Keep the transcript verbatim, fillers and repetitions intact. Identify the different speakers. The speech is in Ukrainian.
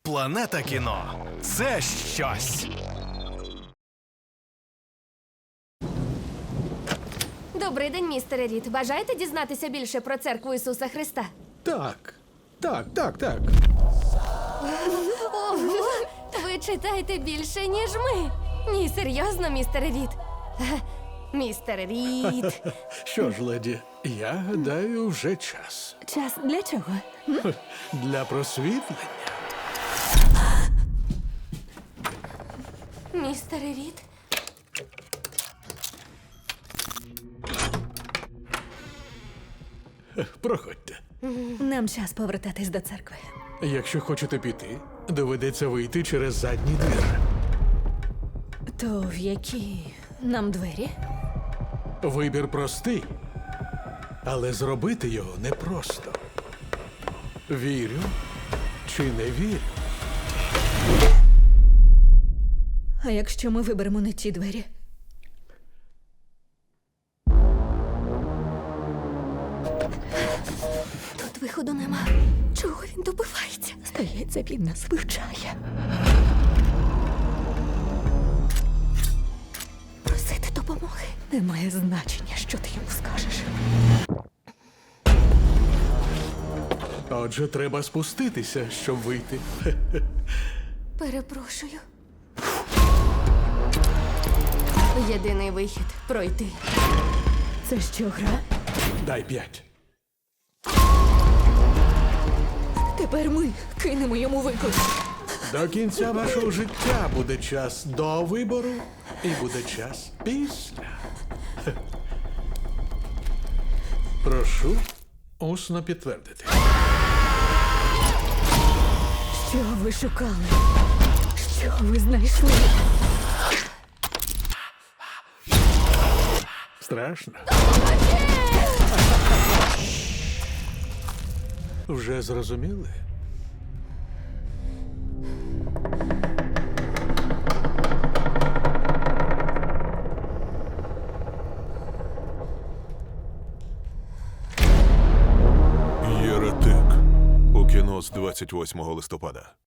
Speaker 1: Планета кіно – це щось.
Speaker 2: Добрий день, містере Рід. Бажаєте дізнатися більше про церкву Ісуса Христа?
Speaker 3: Так, так, так, так.
Speaker 2: Ого! Ви читаєте більше, ніж ми. Ні, серйозно, містере Рід. Е, Містер Рід.
Speaker 3: Що ж, леді, я гадаю, вже час.
Speaker 4: Час для чого?
Speaker 3: Для просвітлення.
Speaker 2: Містере Рід.
Speaker 3: Проходьте.
Speaker 4: Нам час повертатись до церкви.
Speaker 3: Якщо хочете піти, доведеться вийти через задній двір.
Speaker 4: То в які нам двері?
Speaker 3: Вибір простий, але зробити його непросто. Вірю чи не вірю?
Speaker 4: А якщо ми виберемо не ті двері?
Speaker 2: Тут виходу нема. Чого він добивається?
Speaker 4: Здається, він нас вивчає.
Speaker 2: Просити допомоги.
Speaker 4: Немає значення, що ти йому скажеш.
Speaker 3: Отже, треба спуститися, щоб вийти.
Speaker 2: Перепрошую. Єдиний вихід – пройти.
Speaker 4: Це що, гра?
Speaker 3: Дай п'ять.
Speaker 4: Тепер ми кинемо йому виклик.
Speaker 3: До кінця вашого життя буде час до вибору і буде час після. Прошу усно підтвердити.
Speaker 4: Що ви шукали? Що ви знайшли?
Speaker 3: Страшно? Вже зрозуміли?
Speaker 5: Єретик у кіно з двадцять восьмого листопада.